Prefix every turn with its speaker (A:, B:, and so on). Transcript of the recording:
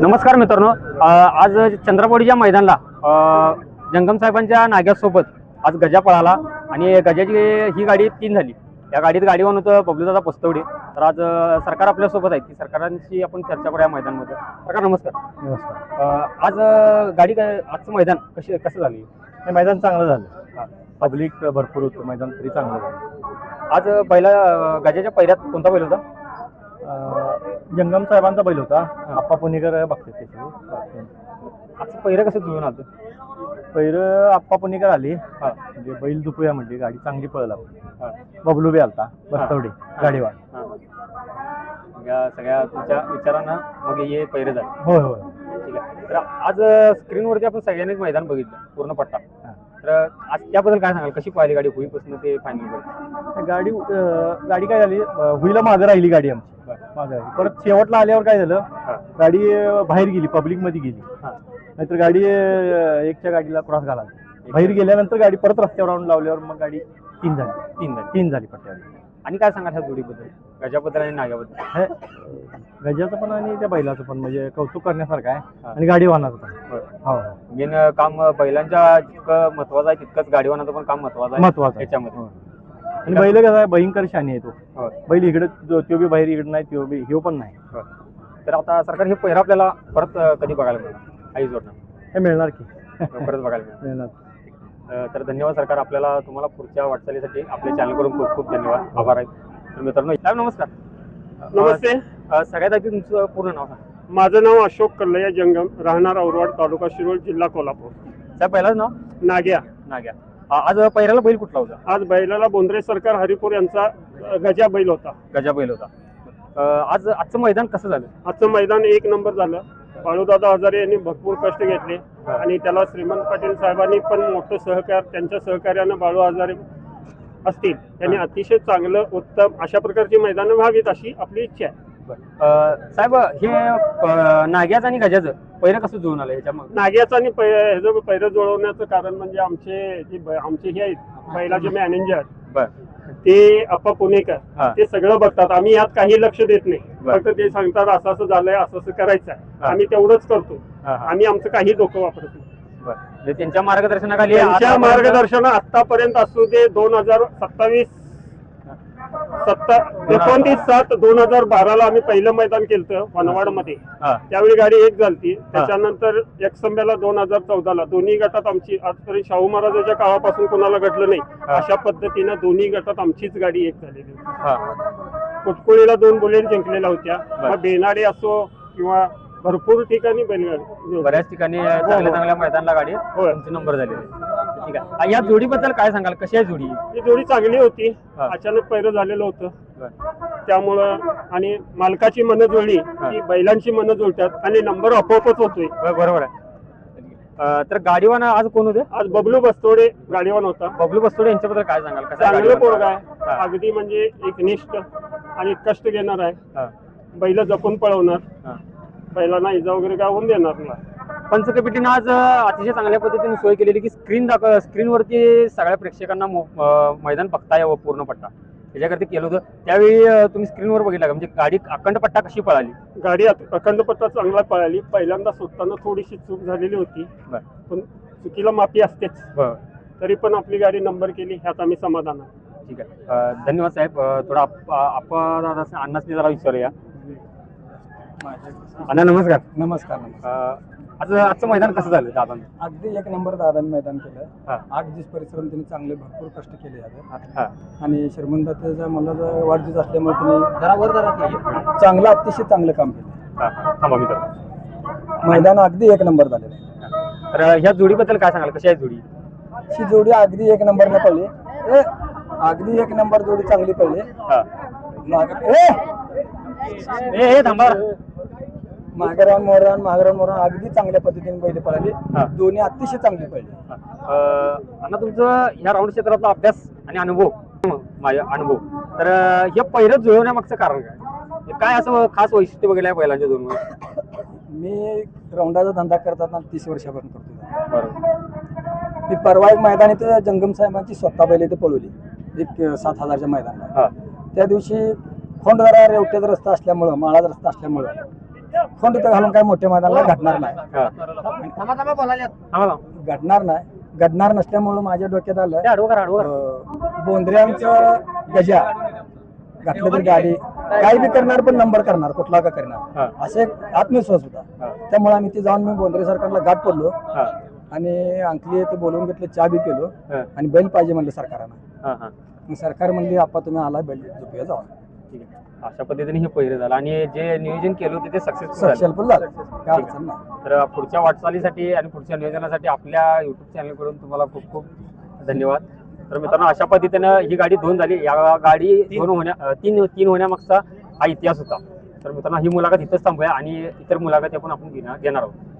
A: नमस्कार मित्रांनो, आज चंद्रपोळीच्या मैदानाला जंगम साहेबांच्या नाग्यासोबत आज गजा पळाला आणि गजाची ही गाडी 3 झाली. या गाडीत गाडीवान होतं बबलूदादा पस्तवडे. तर आज सरकार आपल्यासोबत आहे की सरकारांशी आपण चर्चा करूया मैदानामध्ये. सरकार नमस्कार.
B: नमस्कार.
A: आज गाडी आजचं मैदान कसं झालं?
B: हे मैदान चांगलं झालं. पब्लिक भरपूर होतं, मैदान तरी चांगलं झालं.
A: आज पहिला गजाच्या पहिल्यात कोणता बैल होता?
B: जंगम साहेबांचा बैल होता. आप्पा पुणेकर बघते त्याची.
A: आजचं पहिलं कसं जुळून आलं?
B: पहिलं आप्पा पुणेकर आली, म्हणजे बैल दुपूया म्हणजे गाडी चांगली पळला. बबलू बी आलता बस्तवडे गाडीवर.
A: या सगळ्या तुमच्या विचारांना मग हे पहिरे झाले.
B: होय होय.
A: ठीक आहे. तर आज स्क्रीनवरती आपण सगळ्यांनीच मैदान बघितलं पूर्ण पट्टा. तर आज त्याबद्दल काय सांगाल? कशी पाहिली गाडी होईपासून ते फायनल?
B: गाडी काय झाली, हुईला मागं राहिली गाडी आमची. मागं राहिली. परत शेवटला आल्यावर काय झालं, गाडी बाहेर गेली, पब्लिक मध्ये गेली. नाहीतर गाडी एकच्या गाडीला क्रॉस घाला. बाहेर गेल्यानंतर गाडी परत रस्त्यावर आणून लावल्यावर मग गाडी 3 झाली पट्ट्यावर.
A: आणि काय सांगाल ह्या जोडीबद्दल, गजाबद्दल आणि नाग्याबद्दल?
B: गजाचं पण आणि त्या बैलाचं पण म्हणजे कौतुक करण्यासारखं आहे. आणि गाडीवानाचं पण. हो,
A: मेन काम बैलांच्या जितकं महत्वाचं आहे तितकंच गाडीवानाचं पण काम महत्वाचं आहे त्याच्यामध्ये.
B: आणि बैल कसं आहे, भयंकर शानी आहे तो. बैल इकडे तो बी बाहेर, इकडे नाही तो बी, ह्यो पण नाही.
A: तर आता सरकार हे पहिरा आपल्याला परत कधी बघायला मिळणार? आई जोडणार
B: हे मिळणार की
A: परत बघायला
B: मिळणार.
A: तर धन्यवाद सरकार. आपल्याला तुम्हाला पुढच्या वाटचालीसाठी आपल्या चॅनल करून खूप खूप धन्यवाद, आभार आहे. तर मित्रांनो, नमस्कार.
C: नमस्ते.
A: सगळ्यात आधी तुमचं पूर्ण नाव सांगा.
C: माझं नाव अशोक कल्लया जंगम, राहणार औरवाड, तालुका शिरोळ, जिल्हा कोल्हापूर.
A: साहेब पहिलाच नाव?
C: नाग्या.
A: आज पहिल्याला बैल कुठला होता?
C: आज बैलाला बोंद्रे सरकार हरिपूर यांचा गजा बैल होता.
A: गजा बैल होता. आजचं मैदान कसं झालं?
C: आजचं मैदान 1 नंबर झालं. बाळूदादा हजारे यांनी भरपूर कष्ट घेतले आणि त्याला श्रीमंत पाटील साहेबांनी पण मोठं सहकार, त्यांच्या सहकार्यानं बाळू हजारे असतील त्यांनी अतिशय चांगलं उत्तम अशा प्रकारची मैदानं व्हावीत अशी आपली इच्छा आहे.
A: साहेब, हे नाग्याचं आणि गजाचं पहिलं कसं जुळून आलं ह्याच्यामध्ये?
C: नाग्याचं आणि ह्याचं पैरं जुळवण्याचं कारण म्हणजे आमचे हे आहेत बैलाचे मॅनेजर, ते आप्पा पुणेकर, ते सगळं बघतात. आम्ही यात काही लक्ष देत नाही. फक्त ते सांगतात असं असं झालंय, असं असं करायचं आहे, आम्ही तेवढंच करतो. आम्ही आमचं काही डोकं वापरत नाही.
A: त्यांच्या मार्गदर्शनाखाली,
C: त्यांच्या मार्गदर्शन आतापर्यंत असू दे. 29/7/2012 आम्ही पहिलं मैदान केलं वनवाड मध्ये. त्यावेळी गाडी 1 झाली. त्याच्यानंतर एकसंब्याला 2014ला दोन्ही गटात आमची, आजपर्यंत शाहू महाराजांच्या काळापासून कोणाला घडलं नाही अशा पद्धतीनं दोन्ही गटात आमचीच गाडी 1 झालेली होती. कुटकुळीला 2 बुलेट जिंकलेल्या होत्या. मग बेनाडे असो किंवा भरपूर ठिकाणी बैलगाडी,
A: बऱ्याच ठिकाणी चांगल्या मैदानाला गाडी तुमची नंबर झालेली. ठीक आहे. या जोडीबद्दल काय सांगाल? कशी आहे जोडी?
C: ही जोडी चांगली होती. अचानक पहिलं झालेलं होतं त्यामुळं, आणि मालकाची मनं जुळली की बैलांची मनं जुळतात आणि नंबर आपोआपच होतोय.
A: बरोबर आहे. तर गाडीवान आज कोण होते?
C: आज बबलू बस्तोडे गाडीवान होता.
A: बबलू बस्तोडे यांच्याबद्दल काय सांगाल?
C: चांगलं पोरगा आहे, अगदी म्हणजे एकनिष्ठ आणि कष्ट घेणार आहे. बैल जपून पळवणार, बैलांना इजा वगैरे काय होऊन देणार नाही.
A: पंचकमिटीनं आज अतिशय चांगल्या पद्धतीने सोय केलेली की स्क्रीनवरती सगळ्या प्रेक्षकांना मैदान बघता यावं पूर्ण पट्टा, त्याच्याकरता केलं होतं. त्यावेळी तुम्ही स्क्रीनवर बघितला का, म्हणजे गाडी अखंड पट्टा कशी पळाली?
C: गाडी अखंड पट्टा चांगला पळाली. पहिल्यांदा सुटताना थोडीशी चूक झालेली होती, पण चुकीला माफी असतेच. तरी पण आपली गाडी नंबर केली, ह्यात आम्ही समाधान आहे.
A: ठीक आहे. धन्यवाद साहेब. थोडा आपण अन्नाच जरा विचारूया. अण्णा नमस्कार.
B: नमस्कार.
A: आजचं मैदान कसं झालं दादा?
D: अगदी 1 नंबर दादांनी मैदान केलं. 8 दिवस परिश्रम त्यांनी चांगले भरपूर कष्ट केले आहेत. आणि श्रीमंताचा मला वाढदिवस असल्यामुळे त्यांनी चांगलं, अतिशय चांगलं काम केलं. मैदान अगदी 1 नंबर झालेलं.
A: तर ह्या जोडीबद्दल काय सांगाल? कशी आहे जोडी?
D: ही जोडी अगदी 1 नंबरला पडली. अगदी 1 नंबर जोडी चांगली पडली.
A: थांबा.
D: मागरान मोरान अगदी चांगल्या पद्धतीने बैल पळाली. दोन्ही अतिशय चांगली पडली.
A: अण्णा, तुमचं ह्या राऊंड क्षेत्रातला अभ्यास आणि अनुभव, तर हे पहिलं जुळवण्यामागचं कारण काय असं खास वैशिष्ट्य बघितलं आहे बैलांच्या दोन?
D: मी राऊंडाचा धंदा करताना 30 वर्षापासून करतो. मी परवा एक मैदान इथं जंगम साहेबांची स्वतः बैल इथे पळवली, एक 7,000च्या मैदानात. त्या दिवशी खोंड जरा रेवट्याचा रस्ता असल्यामुळं, माळाचा रस्ता असल्यामुळं खोंड इथं घालून काय मोठ्या मैदानाला घडणार नाही घडणार नसल्यामुळं माझ्या डोक्यात आलं बोंद्र्यांचं गजा घातलं तर गाडी काही बी करणार पण नंबर करणार कुठला का करणार असे एक आत्मविश्वास होता. त्यामुळे आम्ही ते जाऊन मी बोंद्रे सरकारला गाठ पडलो आणि अंकली ते बोलवून घेतलं, चहा बी पिलो आणि बैल पाहिजे म्हणलं सरकारानं. मग सरकार म्हणली आपा तुम्ही आला बैल झोपूया जावा.
A: ठीक आहे. अशा पद्धतीने हे पहिरे झालं आणि जे नियोजन केलं होते ते सक्सेसफुल झालं.
D: सक्सेसफुल झालं, काय अडचण नाही.
A: तर पुढच्या वाटचालीसाठी आणि पुढच्या नियोजनासाठी आपल्या युट्यूब चॅनलकडून तुम्हाला खूप खूप धन्यवाद. तर मित्रांनो, अशा पद्धतीनं ही गाडी 2 झाली. या गाडी 3 होण्यामागचा हा इतिहास होता. तर मित्रांनो, ही मुलाखत इथंच थांबूया आणि इतर मुलाखती आपण घेणार आहोत.